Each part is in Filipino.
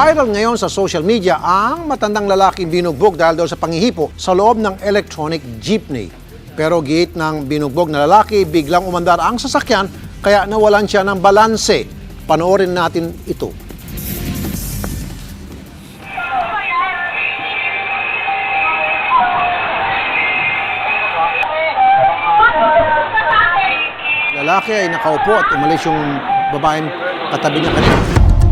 Viral ngayon sa social media ang matandang lalaking binugbog dahil daw sa panghihipo sa loob ng electronic jeepney. Pero giit ng binugbog na lalaki, biglang umandar ang sasakyan kaya nawalan siya ng balanse. Panoorin natin ito. Lalaki ay nakaupo at umalis yung babaeng katabi niya kanina.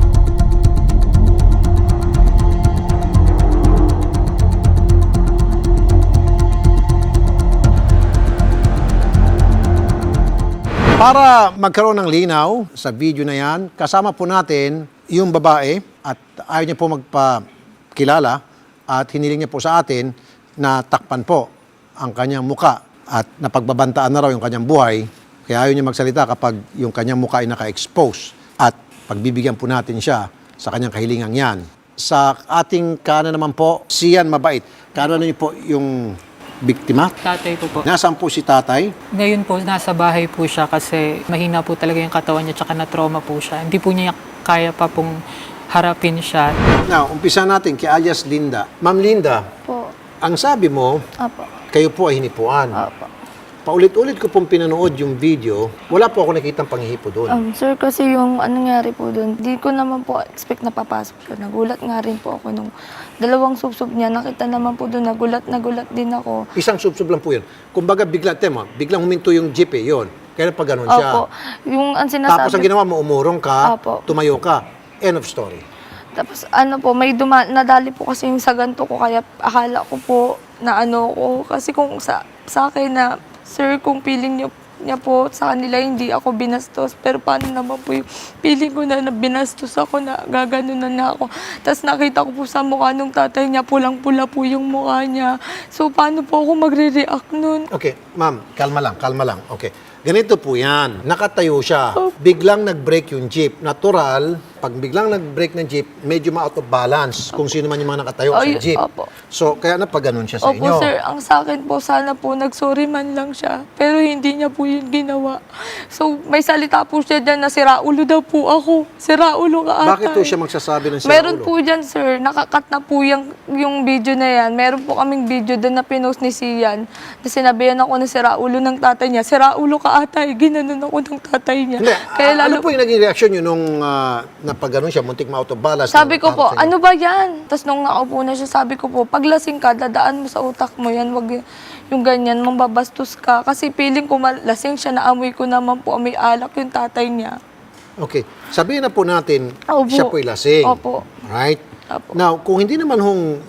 Para magkaroon ng linaw sa video na yan, kasama po natin yung babae at ayaw niya po magpakilala at hiniling niya po sa atin na takpan po ang kanyang muka at napagbabantaan na raw yung kanyang buhay. Kaya ayaw niya magsalita kapag yung kanyang mukha ay naka-expose at pagbibigyan po natin siya sa kanyang kahilingang yan. Sa ating kanan naman po, Sian Mabait. Kanan niyo po yung biktima. Tatay ko po. Nasaan po si tatay? Ngayon po, nasa bahay po siya kasi mahina po talaga yung katawan niya tsaka na-trauma po siya. Hindi po niya kaya pa pong harapin siya. Now, umpisa natin kay alias Linda. Ma'am Linda, Po. ang sabi mo, Apo. kayo po ay hinipuan. Apo. Paulit-ulit ko pong pinanood yung video, wala po ako nakitang panghihipo doon. Sir, kasi yung nangyari po doon, di ko naman po expect na papasok siya. Nagulat nga rin po ako nung dalawang subsob niya. Nakita naman po doon, nagulat din ako. Isang subsob lang po yun. Kumbaga biglang huminto yung jeep eh, yun. Kaya pa ganun siya. Opo. Yung ang sinasabi... Tapos ang ginawa mo, umurong ka, Opo. tumayo ka. End of story. Tapos ano po, nadali po kasi yung sa ganito ko, kaya akala ko po na ano ko. Kasi kung sa akin na, sir, kung feeling niya po sa kanila hindi ako binastos, pero paano naman po yung feeling ko na binastos ako, na gaganunan na ako. Tapos nakita ko po sa mukha nung tatay niya, pulang-pula po yung mukha niya. So paano po ako magre-react nun? Okay, ma'am, kalma lang. Okay. Ganito po yan. Nakatayo siya. Biglang nag-brake yung jeep. Natural, pag biglang nag-brake ng jeep, medyo ma-out of balance kung sino man yung mga nakatayo sa jeep. Opo. So, kaya napaganon siya sa Opo, inyo. sir, ang sa akin po, sana po nag-sorry man lang siya. Pero hindi niya po yun ginawa. So, may salita po siya dyan na siraulo daw po ako. Siraulo ka ata. Bakit po siya magsasabi ng siraulo? Meron po dyan, sir. Nakakat na po yung video na yan. Meron po kaming video doon na pinost ni Sian. Na sinabihan ako na siraulo ng tatay niya. Siraulo ka ata. Ginanon ako ng tatay niya. Hindi, Kaya ano po yung naging reaction yun nung napaganon siya, muntik ma-out of balance? sabi ko po, ano ba yan? Tapos nung nakaupo na siya, sabi ko po, paglasing ka, dadaan mo sa utak mo yan. Wag yung ganyan, mambabastos ka. Kasi feeling ko malasing siya, naamoy ko naman po, may alak yung tatay niya. Okay. Sabihin na po natin, Opo. siya po'y lasing. Opo. Right? Opo. Now, kung hindi naman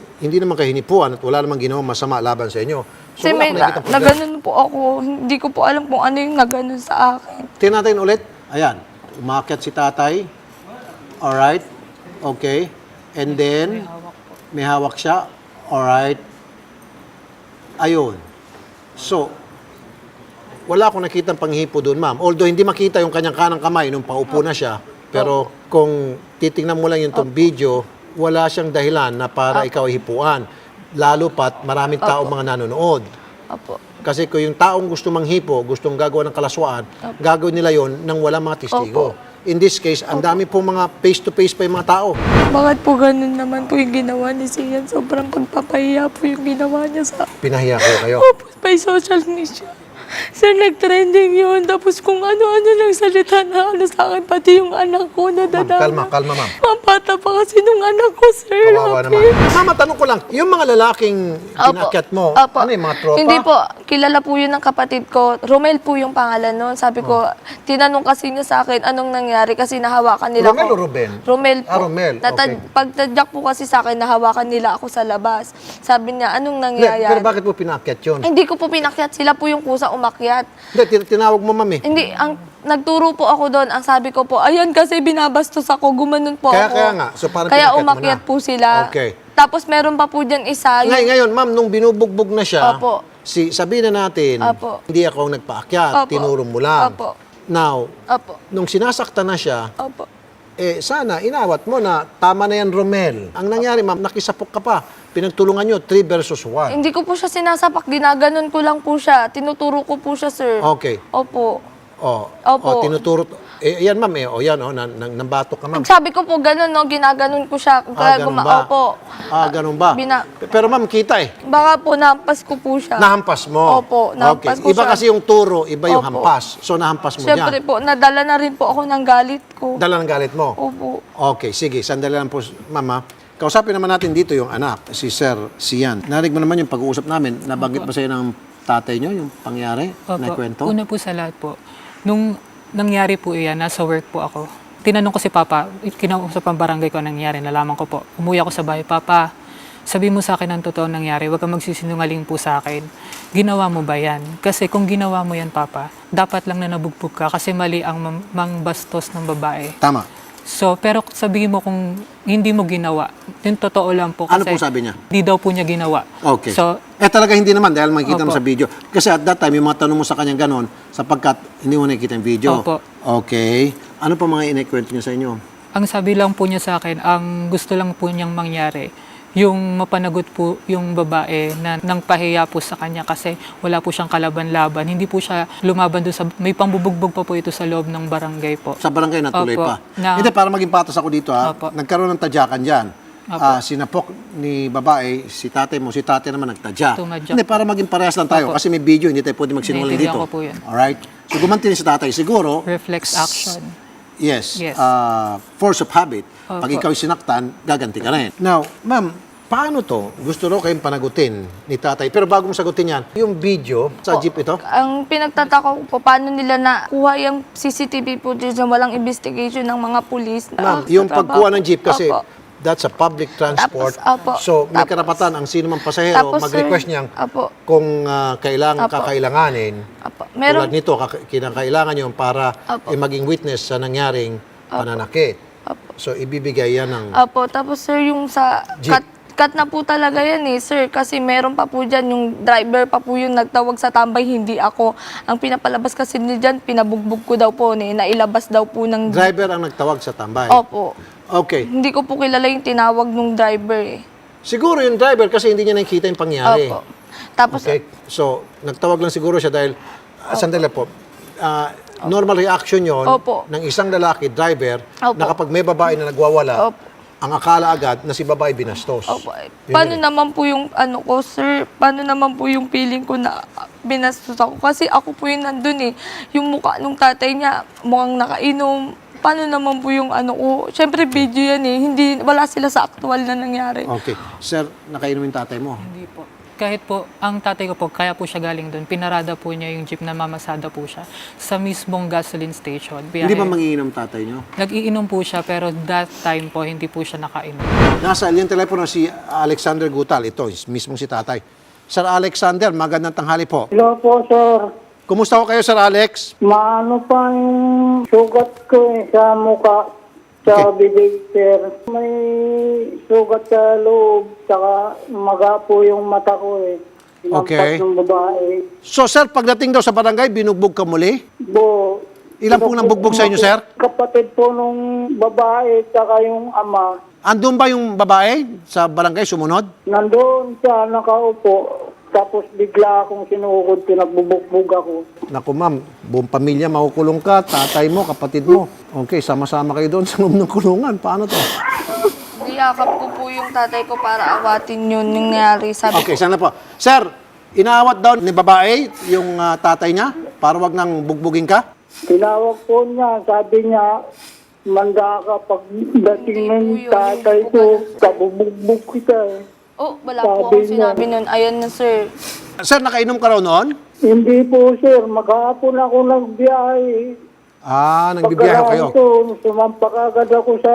kayo hinipuan at wala namang ginawang masama laban sa inyo, so Kasi wala may akong nakikitang problema. naganon po ako. Hindi ko po alam kung ano yung naganon sa akin. Tingnan natin ulit. Ayan. Umakyat si tatay. Alright. Okay. And then, may hawak siya. Alright. Ayun. So, wala akong nakitang panghipo doon, ma'am. Although hindi makita yung kanyang kanang kamay nung paupo na siya. Pero kung titingnan mo lang yung video, wala siyang dahilan na para ikaw ay hipuan. Lalo pat maraming tao mga nanonood. Opo. Kasi kung yung taong gusto manghipo, gustong gagawa ng kalaswaan, gagawin nila yon nang walang mga testigo. In this case, ang dami pong mga face-to-face pa yung mga tao. Bakit po ganun naman po yung ginawa ni Sian? Sobrang pagpapahiya po yung ginawa niya sa... Pinahiya ko kayo. Opo, may social media. Sir, nag-trending yun. Tapos kung ano-ano lang salita na ano sa akin, pati yung anak ko na Ma'am, dadama. kalma, ma'am. Mapata pa kasi nung anak ko, sir. Kawawa naman. Mama, tanong ko lang, yung mga lalaking kinakyat mo, Opo. ano yung mga tropa? Hindi po. Kilala po yun ng kapatid ko. Romel po yung pangalan nun. Sabi ko, tinanong kasi niya sa akin anong nangyari kasi nahawakan nila Romel ko. o Ruben? Romel po. Romel. Okay. Pagtadyak po kasi sa akin, nahawakan nila ako sa labas. Sabi niya, anong Hindi, nangyayari? pero bakit mo pinakyat yun? Hindi ko po pinakyat. Sila po yung kusa umakyat. Hindi, tinawag mo, ma'am eh. Hindi, nagturo po ako doon. Ang sabi ko po, ayan kasi binabastos ako, gumanon po ako. Kaya nga, so parang Kaya pinakyat mo umakyat na. po sila. Okay. Tapos meron pa po dyan isa. Ngayon, ma'am, nung binubugbog na siya, Opo. sabihin na natin, Opo. hindi ako ang nagpaakyat, Opo. tinuro mo lang. Opo. Now, Opo. nung sinasaktan na siya, Opo. sana inawat mo na tama na yan, Romel. Ang nangyari, ma'am, nakisapok ka pa. Pinagtulungan nyo, 3 versus 1. Hindi ko po siya sinasapak, ginaganon ko lang po siya. Tinuturo ko po siya, sir. Okay. Opo. Opo. tinuturo. Yan, ma'am, yan, nambatok ka, ma'am. Sabi ko po gano'n, no, ginaganon ko siya. Ganun ba? Opo. Ganun ba? Pero ma'am, kita Baka po nahampas ko po siya. Nahampas mo? Opo, nahampas ko Iba siya. kasi yung turo, iba yung Opo. hampas. So, nahampas mo Siyempre yan. po, nadala na rin po ako ng galit ko. Dala ng galit mo? Opo. Okay, sige. Sandali lang po, mama. Kausapin naman natin dito yung anak, si Sir Sian. Narinig mo naman yung pag-uusap namin. Nabanggit ba sa'yo ng tatay nyo yung pangyari na kwento? Una po sa lahat po, nung nangyari po iyan, nasa work po ako. Tinanong ko si Papa, kinausap ang barangay ko ang nangyari, nalaman ko po. Umuwi ako sa bahay, Papa, sabi mo sa akin ang totoo nangyari, huwag kang magsisinungaling po sa akin. Ginawa mo ba yan? Kasi kung ginawa mo yan, Papa, dapat lang na nabugbog ka kasi mali ang mangbastos ng babae. Tama. So, pero sabihin mo kung hindi mo ginawa, yung totoo lang po. Ano Kasi po sabi niya? Hindi daw po niya ginawa. Okay. So, Talaga hindi naman dahil makikita mo Opo. sa video. Kasi at that time, yung mga tanong mo sa kanya ganon, sapagkat hindi mo nakikita yung video. Opo. Okay. Ano pa mga inikwento niya sa inyo? ang sabi lang po niya sa akin, ang gusto lang po niyang mangyari, yung mapanagot po yung babae na nang pahiya po sa kanya kasi wala po siyang kalaban-laban. Hindi po siya lumaban doon sa... May pambubugbog pa po ito sa loob ng barangay po. Sa barangay natuloy Opo. pa. Na- Hindi, para maging patas ako dito ha. Opo. Nagkaroon ng tadyakan dyan. Opo. Sinapok ni babae, si tatay mo, si tatay naman nagtadya. Tumadyak. Hindi, para maging parehas lang tayo. Opo. Kasi may video, hindi tayo pwede magsinungaling dito. Naiintindihan ko po yun. Alright? So gumanti si tatay. Siguro, Reflex action. yes, Yes. force of habit. Opo. Pag ikaw sinaktan, gaganti ka rin. Now, ma'am, paano to? Gusto raw kayong panagutin ni tatay. Pero bago mo sagutin yan, yung video sa jeep ito, Ang pinagtataka ko po, paano nila nakuha yung CCTV footage na walang investigation ng mga pulis. ma'am, yung pagkuha ng jeep kasi Opo. that's a public transport. Tapos, opo. So, may Tapos- karapatan ang sino mang pasahero Tapos, mag-request sir, niyang opo. kung Opo. kakailanganin. Opo. Tulad Meron, nito, kinakailangan yun para Opo. maging witness sa nangyaring pananakit. Opo. So, ibibigay yan ng... Opo, tapos sir, yung sa Jeep. cut na po talaga yan eh, sir. Kasi meron pa po dyan, yung driver pa po yung nagtawag sa tambay, hindi ako. Ang pinapalabas kasi niya dyan, pinabugbog ko daw po, nailabas daw po ng... Driver ang nagtawag sa tambay. Opo. Okay. Hindi ko po kilala yung tinawag ng driver eh. Siguro yung driver kasi hindi niya nakikita yung pangyari. Opo. Tapos, Okay? So, nagtawag lang siguro siya dahil, sandali po, normal reaction yon Opo. ng isang lalaki, driver, Opo. na kapag may babae na nagwawala, Opo. ang akala agad na si babae binastos. Opo. Yun Paano yun. naman po yung ano ko, sir? Paano naman po yung feeling ko na binastos ako? Kasi ako po yung nandun eh. Yung mukha nung tatay niya, mukhang nakainom. Paano naman po yung ano ko? Siyempre video yan eh. Hindi, wala sila sa actual na nangyari. Okay. Sir, nakainom yung tatay mo. Hindi po. Kahit po, ang tatay ko po, kaya po siya galing doon, pinarada po niya yung jeep na mamasada po siya sa mismong gasoline station. Hindi ba mangiinom tatay nyo? Nag-iinom po siya, pero that time po, hindi po siya nakainom. Nasa yung telepono si Alexander Gutal. Ito, mismong si tatay. Sir Alexander, magandang tanghali po. Hello po, sir. Kumusta ko kayo, Sir Alex? Maano pa yung sugat ko sa mukha sa bibig, sir. May sugat sa loob, tsaka maga po yung mata ko eh. Okay. Ng babae. So, sir, pagdating daw sa barangay, binugbog ka muli? Ilan pong nambugbog sa inyo, sir? Kapatid po nung babae, tsaka yung ama. Andun ba yung babae sa barangay sumunod? Nandoon siya, nakaupo. Tapos bigla akong sinukod, pinagbubukbog ako. Naku, ma'am, buong pamilya makukulong ka, tatay mo, kapatid mo. Okay, sama-sama kayo doon sa loob ng kulungan. Paano to? Niyakap ko po yung tatay ko para awatin yun yung nangyari. Sabi Okay, sana po. Sir, inaawat daw ni babae yung tatay niya para wag nang bugbugin ka? Tinawag po niya, sabi niya, manda ka pagdating ng Hindi po yun, tatay hindi po ko, ganun, sir. kabubugbog kita eh. Oh, wala po Sabi akong niya. sinabi nun. Ayan na, sir. Sir, nakainom ka raw noon? Hindi po sir, maghapon ako nagbiyahe. Nagbibiyahe kayo. Pagkaraan ko, sumampak agad ako sa...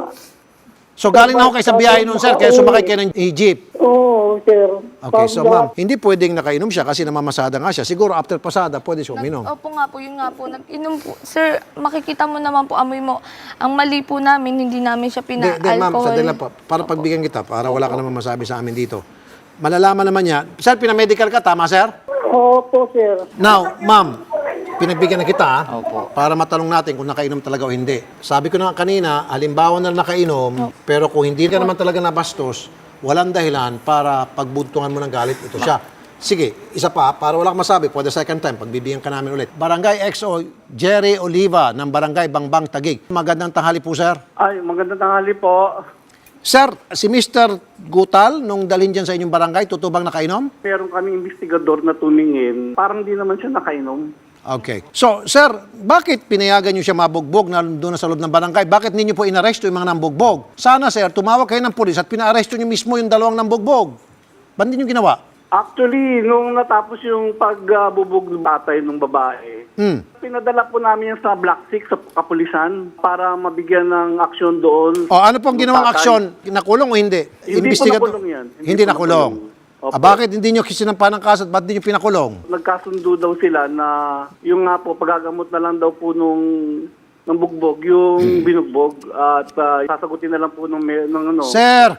So, galing na ako kayo sa biyahe noon, sir, kaya sumakay kayo ng jeep. Oo, sir. Okay, so ma'am, hindi pwedeng nakainom siya kasi namamasada nga siya. Siguro after pasada, pwede siya uminom. Opo nga po, yun nga po. Nag-inom po. Sir, makikita mo naman po, amoy mo. Ang mali po namin, hindi namin siya Hindi, ma'am, pina-alcohol. sandali lang po. Para pagbigyan kita, para wala ka naman masabi sa amin dito. Malalaman naman niya. Sir, pinamedical ka, tama, sir? Opo, sir. Now, ma'am, pinagbigyan na kita para matanong natin kung nakainom talaga o hindi. Sabi ko na kanina, halimbawa na nakainom, pero kung hindi ka naman talaga nabastos, walang dahilan para pagbuntungan mo ng galit ito siya. Sige, isa pa, para wala kang masabi, for the second time, pagbibigyan ka namin ulit. Barangay XO Jerry Oliva ng Barangay Bangbang Taguig. Magandang tanghali po, sir. Ay, magandang tanghali po. Sir, si Mr. Gutal, nung dalhin dyan sa inyong barangay, totoo bang nakainom? Meron kaming investigador na tumingin. Parang di naman siya nakainom. Okay. So, sir, bakit pinayagan nyo siya mabugbog na doon sa loob ng barangay? Bakit ninyo po inaresto yung mga nambugbog? Sana, sir, tumawag kayo ng pulis at pinaaresto nyo mismo yung dalawang nambugbog. Ba't hindi nyo ginawa? Actually, nung natapos yung pagbubog ng batay ng babae, pinadala po namin yan sa Black Six sa kapulisan para mabigyan ng aksyon doon. O, ano pong Yung ginawang tatay. aksyon? Nakulong o hindi? Hindi po nakulong yan. Hindi po nakulong. Opo. Bakit hindi nyo sinampan ng kaso at ba't hindi nyo pinakulong? Nagkasundo daw sila na yung nga po, pagagamot na lang daw po nung bugbog, yung binugbog at sasagutin na lang po ng ano. Sir,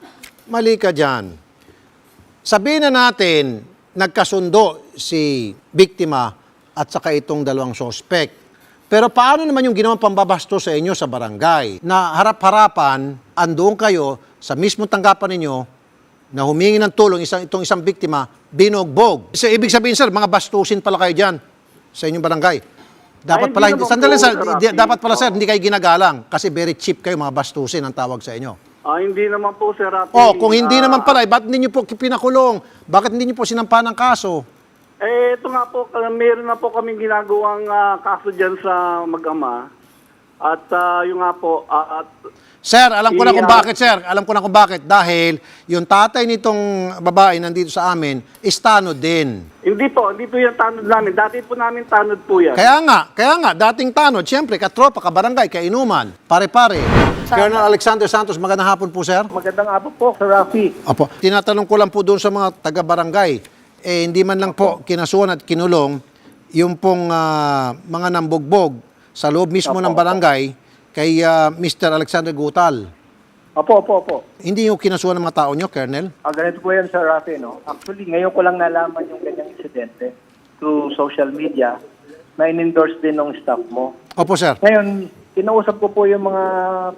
mali ka dyan. Sabihin na natin, nagkasundo si biktima at saka itong dalawang suspect. Pero paano naman yung ginawang pambabasto sa inyo sa barangay? Na harap-harapan, andoon kayo sa mismong tanggapan ninyo na humingi ng tulong itong isang biktima, binugbog. So, ibig sabihin, sir, mga bastusin pala kayo dyan sa inyong barangay. Dapat Ay, pala, hindi naman sandali, po, sir, Sir Rafi. dapat pala, sir, hindi kayo ginagalang kasi very cheap kayo, mga bastusin ang tawag sa inyo. Hindi naman po, Sir Rafi. Oh, kung hindi naman pala, ba't hindi nyo po pinakulong? Bakit hindi nyo po sinampa ng kaso? Ito nga po, meron na po kaming ginagawang kaso dyan sa mag-ama. At yung nga po, at Sir, alam ko na kung Yeah. bakit, sir. Alam ko na kung bakit. Dahil yung tatay nitong babae nandito sa amin, is tanod din. hindi po yung tanod namin. Dati po namin tanod po yan. Kaya nga, dating tanod, siyempre, katropa, kabarangay, kainuman, pare-pare. Colonel Alexander Santos, magandang hapon po, sir. Magandang hapon po, Sir Rafi. Opo. Tinatanong ko lang po doon sa mga taga-barangay, hindi man lang po kinasuhan at kinulong yung pong mga nambugbog sa loob mismo ng barangay kay Mr. Alexander Gutal. Opo. Hindi yung kinasuhan ng mga tao nyo, Colonel? Ganito po yan, Sir Rafi, no? Actually, ngayon ko lang nalaman yung ganyang insidente through social media na in-endorse din ng staff mo. Opo, sir. Ngayon, kinausap ko po yung mga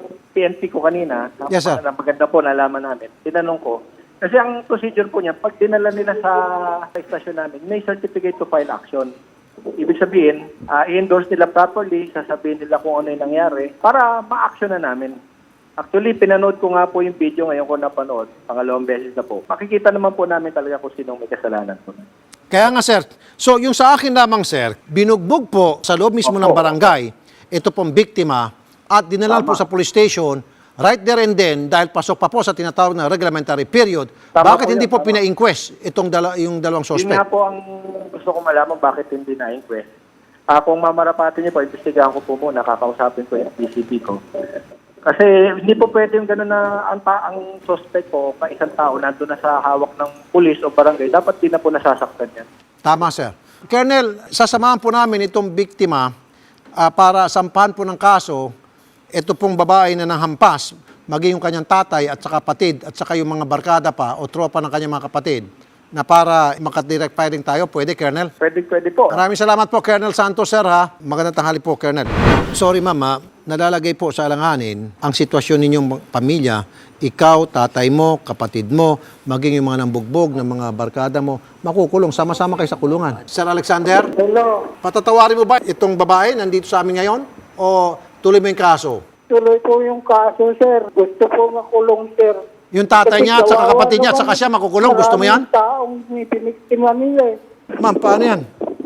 PNP ko kanina. Yes, sir. Maganda po nalaman namin. Tinanong ko. Kasi ang procedure po niya, pag dinala nila sa istasyon namin, may certificate to file action. Ibig sabihin, i-endorse nila properly, sasabihin nila kung ano yung nangyari para ma-action na namin. Actually, pinanood ko nga po yung video ngayon ko napanood, pangalawang beses na po. Makikita naman po namin talaga kung sinong may kasalanan po. Kaya nga, sir. So, yung sa akin lamang, sir, binugbog po sa loob mismo ng barangay, ito pong biktima, at dinala po sa police station, right there and then, dahil pasok pa po sa tinatawag na reglementary period, Tama bakit po hindi yan, po tama. pina-inquest yung dalawang Yun suspect? nga po ang gusto ko malaman bakit hindi na-inquest. Kung mamarapatin niyo po, imbestigahan ko po muna, kakausapin ko yung PCP ko. Kasi hindi po pwede yung gano'n na ang suspect po, isang tao, nandun na sa hawak ng pulis o barangay, dapat din na po nasasaktan yan. Tama, sir. Colonel, sasamahan po namin itong biktima para sampahan po ng kaso ito pong babae na nanghampas, maging yung kanyang tatay at saka kapatid at saka yung mga barkada pa o tropa ng kanyang mga kapatid na para makadirect firing tayo. Pwede, Colonel? Pwede po. Maraming salamat po, Colonel Santos, sir, ha? Magandang tanghali po, Colonel. Sorry, mama, nalalagay po sa alanganin ang sitwasyon ninyong pamilya. Ikaw, tatay mo, kapatid mo, maging yung mga nambugbog ng mga barkada mo, makukulong. Sama-sama kayo sa kulungan. Sir Alexander, Hello. patatawarin mo ba itong babae nandito sa amin ngayon? O tuloy mo yung kaso? Tuloy po yung kaso, sir. Gusto ko makulong, sir. Yung tatay niya at saka kapatid niya at saka siya makukulong, gusto mo yan? Maraming taong piniktima nila eh. Ma'am, paano yan?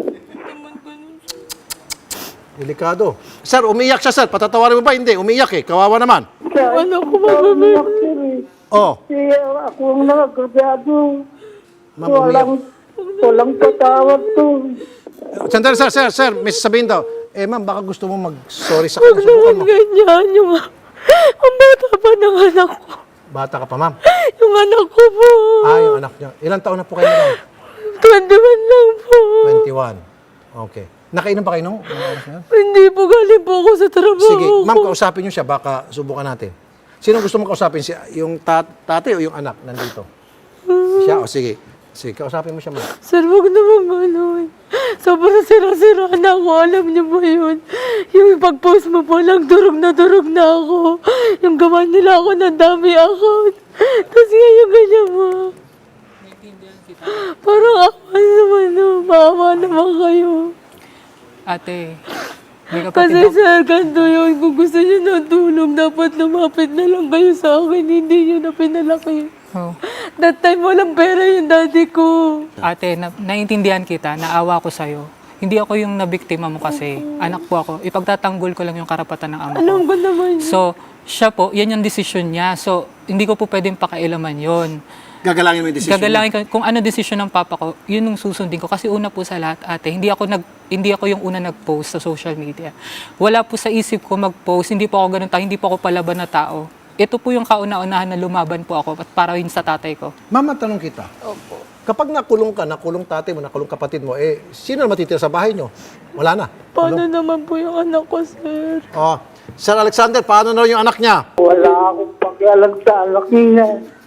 Delikado. Sir, umiyak siya, sir. Patatawarin mo ba? Hindi, umiyak eh. Kawawa naman. Ano ko ba? Oh, Ako ang nakagrabyado. ma'am, umiyak. Walang patawad to. Sandali, sir, may sasabihin daw. Ma'am, baka gusto mo mag-sorry sa kanya. Subukan mo. Ganyan, ang bata pa ng anak ko. Bata ka pa, ma'am. Yung anak ko po. Yung anak niya. Ilang taon na po kayo, ma'am? 21 lang po. 21. Okay. Nakainom pa kayo nung oras na yun? Hindi po, galing po ako sa trabaho. Sige, ma'am, kausapin niyo siya. Baka subukan natin. Sino gusto mo kausapin? Yung tatay o yung anak nandito? Siya? O sige. Sige, kausapin mo siya, ma'am. Sir, wag naman gano'n. Sobrang sira-sira na ako. Alam niyo ba yun? Yung pag-post mo po lang, durog na ako. Yung gawa nila ako ng dami account. Tapos ngayon ganyan mo. Parang ako naman, maawa naman kayo. Ate, may Kasi kapatid ako. sir, ganito yun. Kung gusto niyo ng tulong, dapat lumapit na lang kayo sa akin. Hindi niyo na pinalaki. Oh. That time, walang pera yung daddy ko. Ate, naiintindihan kita, naawa ko sa'yo. Hindi ako yung nabiktima mo kasi, anak po ako. Ipagtatanggol ko lang yung karapatan ng ama ko. Alam ko naman. So, siya po, yan yung desisyon niya. So, hindi ko po pwedeng pakailaman yon. Gagalangin mo yung decision Gagalangin ko, kung ano desisyon ng papa ko, yun yung susundin ko. Kasi una po sa lahat, ate, hindi ako yung una nag-post sa social media. Wala po sa isip ko mag-post, hindi po ako ganun tao, hindi po ako palaban na tao. Ito po yung kauna-unahan na lumaban po ako at para yun sa tatay ko. Mama, tanong kita. Opo. Kapag nakulong ka, nakulong tatay mo, nakulong kapatid mo, sino na matitira sa bahay nyo? Wala na. Paano naman po yung anak ko, sir? Oh, Sir Alexander, paano na yung anak niya? Wala akong pakialam sa anak niya.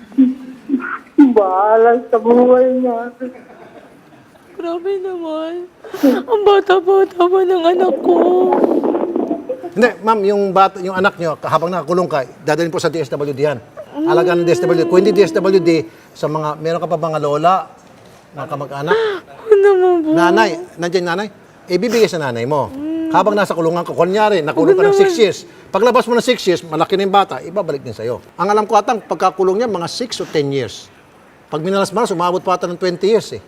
Bahala sa buhay niya. Grabe naman. Ang bata-bata pa ng anak ko. Hindi, ma'am, yung anak niyo, habang nakakulong ka, dadalhin po sa DSWD yan. Alagaan ng DSWD. Kung hindi DSWD, meron ka pa mga lola, mga kamag-anak, Ano naman po? nanay, nandiyan nanay, ibibigay sa nanay mo. Habang nasa kulungan ka, kunyari, nakulong ka ng 6 years. Paglabas mo ng 6 years, malaki na yung bata, ibabalik din sa'yo. Ang alam ko atang, pagkakulong niya, mga 6 o 10 years. Pag minalas-malas, umabot pa ata ng 20 years eh.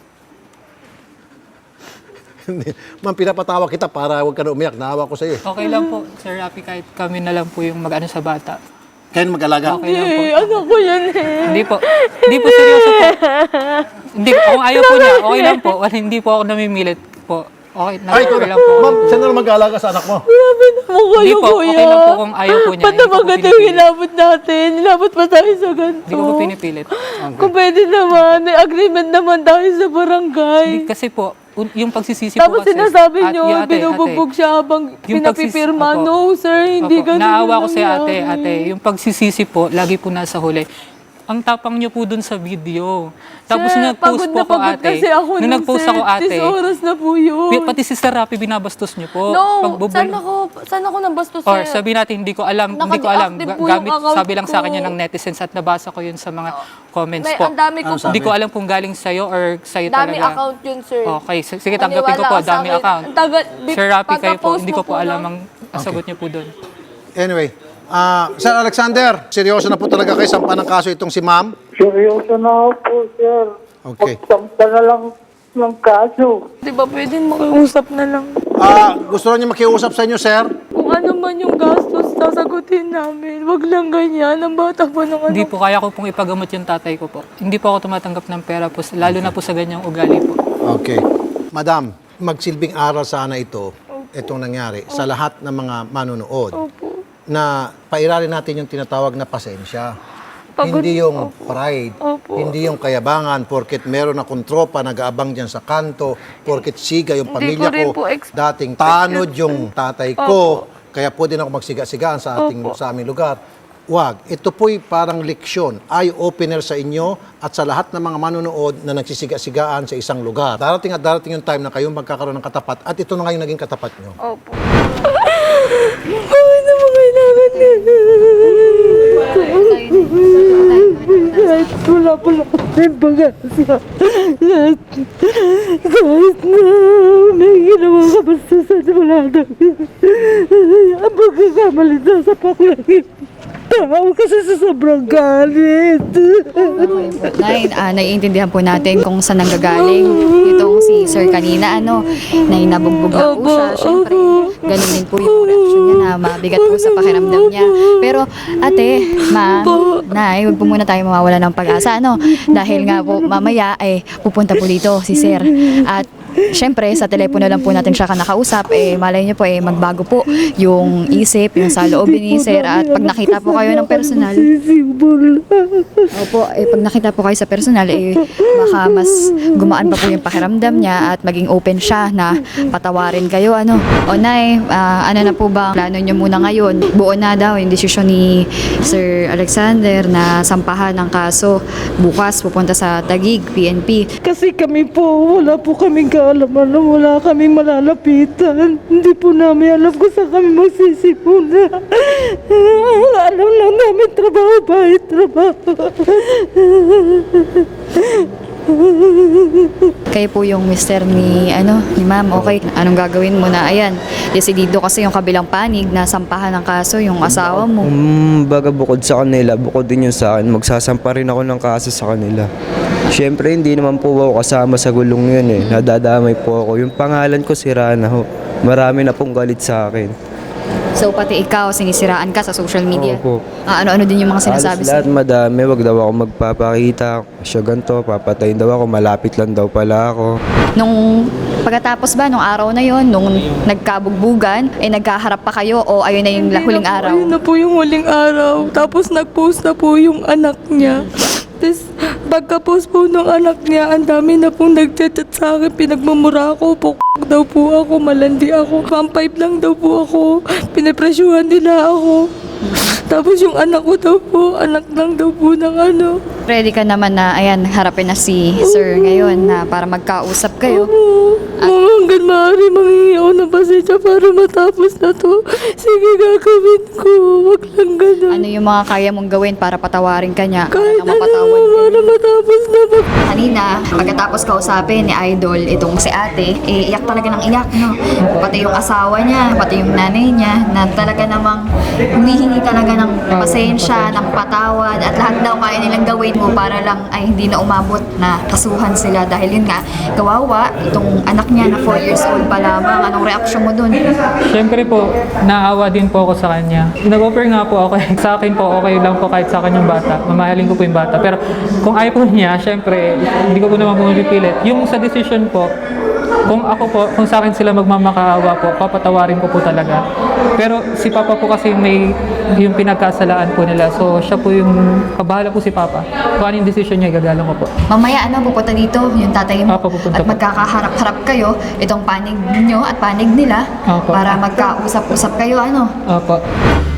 Ma'am, pinapatawa kita para huwag ka na umiyak. Naawa ko sa'yo eh. Okay lang po, Sir Rapi, kahit kami na lang po yung mag-ano sa bata. Kaya mag-alaga. Okay lang po. Anak ko yan eh. Hindi po seryoso po. Hindi, kung ayaw po niya, okay lang po. Hindi po ako namimilit po. Okay, Ay, okay lang po. ma'am, saan na mag-alaga sa anak mo? Grabe naman kayo, Hindi po, kuya. okay lang po kung ayaw po niya. Ba't Hindi ko naman po ganito yung pinipilit. inabot natin? Inabot pa tayo sa ganito. Hindi ko po pinipilit. Kung pwede naman, may agreement naman tayo sa barangay. Hindi, kasi po, yung pagsisisi po Tapos kasi. sinasabi At- nyo, yung ate, binubugbog siya habang Yung pinapipirma. opo. No, sir, hindi Opo, ganun naawa ko yung si ate, nangyari. yung pagsisisi po, lagi po nasa huli. Ang tapang niyo po dun sa video. Tapos Sir, nung nag-post pagod po na ako pagod ate, kasi ako nung nun, nag-post sir. ako ate, 10 oras na po yun. pati si Sir Rapi binabastos niyo po. No, Pagbubul- saan ako nabastos, sir? Or sabi natin, hindi ko alam. Naka-deactive po yung Gamit, account sabi lang sa ko. akin yan ng netizens at nabasa ko yun sa mga comments May, po. ang dami ko po. Hindi ko alam kung galing sa'yo or sa'yo Dami talaga. account yun, sir. Okay, sige, tanggapin ko po, Maniwala ka sa dami akin. account. Sir Rapi kayo po, pagka-post hindi mo ko po alam no? ang sagot niyo po doon. Anyway, Sir Alexander, seryoso na po talaga kayo sampa ng kaso itong si ma'am? Seryoso na ako po, sir. Okay. Pagsampa na lang ng kaso. Di ba pwede makiusap na lang? Gusto niyo makiusap sa inyo, sir? Kung ano man yung gastos, sasagutin namin. Wag lang ganyan. Ang bata pa ng Hindi ano. po, kaya ko pong ipagamot yung tatay ko po. Hindi po ako tumatanggap ng pera po, lalo na po sa ganyang ugali po. Okay. Madam, magsilbing aral sana itong nangyari sa lahat ng mga manonood Opo. na pairalin natin yung tinatawag na pasensya. Pagod- Hindi yung pride, Opo. hindi yung kayabangan porket meron akong tropa nag-aabang dyan sa kanto, porket siga yung Hindi pamilya ko rin ko, po expect dating tanod yung tatay ko, kaya pwede na ako magsiga-sigaan sa aming lugar. Wag. Ito po'y parang leksyon, eye-opener sa inyo at sa lahat ng mga manonood na nagsisiga-sigaan sa isang lugar. Darating at darating yung time na kayong magkakaroon ng katapat at ito na nga yung naging katapat nyo. Opo. Bakit naman kailangan nila? Wala pala kaming pag-asa. Kahit na may ginawa ka basta sa wala na. Ang pagkakamali na sa paklangin. Tao kasi sa sobrang galit. Nay, naiintindihan po natin kung saan nanggagaling itong si Sir kanina, na nabugbog na po siya. Siyempre, ganun din po yung reaction niya na mabigat po sa pakiramdam niya. Pero, ate, nay, huwag po muna tayo mawawala ng pag-asa, Dahil nga po, mamaya, pupunta po dito si Sir. At, siyempre, sa telepono lang po natin siya nakausap, malay niyo po, magbago po yung isip, yung saloobin ni Sir. At pag nakita po kayo ng personal, opo, pag nakita po kayo sa personal, baka mas gumaan pa po yung pakiramdam niya at maging open siya na patawarin kayo, O nay, ano na po ba plano niyo muna ngayon? Buo na daw yung desisyon ni Sir Alexander na sampahan ng kaso. Bukas pupunta sa Taguig, PNP. Kasi kami po, wala po kaming alam, wala kaming malalapitan. Hindi po namin alam kung saan kami magsisimula. Alam lang namin trabaho, bahay, trabaho. Kayo po yung mister ni ma'am. Okay, anong gagawin mo na? Ayan, desidido kasi yung kabilang panig na sampahan ng kaso yung asawa mo. Baga bukod sa kanila, bukod din yun sa akin, magsasampa rin ako ng kaso sa kanila. Siyempre, hindi naman po ako kasama sa gulong yun eh. Nadadamay po ako. Yung pangalan ko, sira na ho. Marami na pong galit sa akin. So pati ikaw, sinisiraan ka sa social media. Opo. Ano-ano din yung mga sinasabi Halos lahat sa'yo? madami, wag daw ako magpapakita. Siya ganito, papatayin daw ako, malapit lang daw pala ako. Nung pagkatapos ba, nung araw na yon, nung nagkabugbugan, nagkaharap pa kayo o ayun na yung huling araw? Ayun na po yung huling araw. Tapos nag-post na po yung anak niya. Tapos pagka-post po ng anak niya, ang dami na pong nag-chat sa akin. Pinagmamura ako, daw po ako, malandi ako. 1.5 lang daw po ako. Pinapresyuhan nila ako. Tapos yung anak ko daw po, anak lang daw po ng Ready ka naman na, ayan, harapin na si sir ngayon na para magkausap kayo. Mama, hanggang maaari manghingi ako ng pasensya para matapos na to. Sige, gagawin ko. Wag lang ganun. Ano yung mga kaya mong gawin para patawarin ka niya? Kahit na mapatawad ano, ka para niya? matapos na to. Kanina, pagkatapos kausapin ni Idol, itong si ate, iyak talaga ng iyak, no? Pati yung asawa niya, pati yung nanay niya, na talaga namang humihingi talaga ng pasensya, ng patawad, at lahat daw kaya nilang gawin mo para lang ay hindi na umabot na kasuhan sila. Dahil yun nga, kawawa, itong anak niya na 4 years old pa lamang. Anong reaksyon mo dun? Siyempre po, naawa din po ako sa kanya. Nag-offer nga po ako, sa akin po, okay lang po kahit sa akin yung bata. Mamahalin ko po yung bata. Pero kung ayaw po niya, siyempre, hindi ko po naman pumipilit. Yung sa decision po, kung ako po, kung sa akin sila magmamakaawa po, papatawarin ko po talaga. Pero si Papa po kasi may yung pinagkasalaan po nila. So siya po yung, kabahala po si Papa. Kung ano yung decision niya, gagalang ko po. Mamaya, pupunta dito yung tatay mo. Opo, pupunta At po. magkakaharap-harap kayo, itong panig niyo at panig nila, Opo. para magkausap-usap kayo, Opo.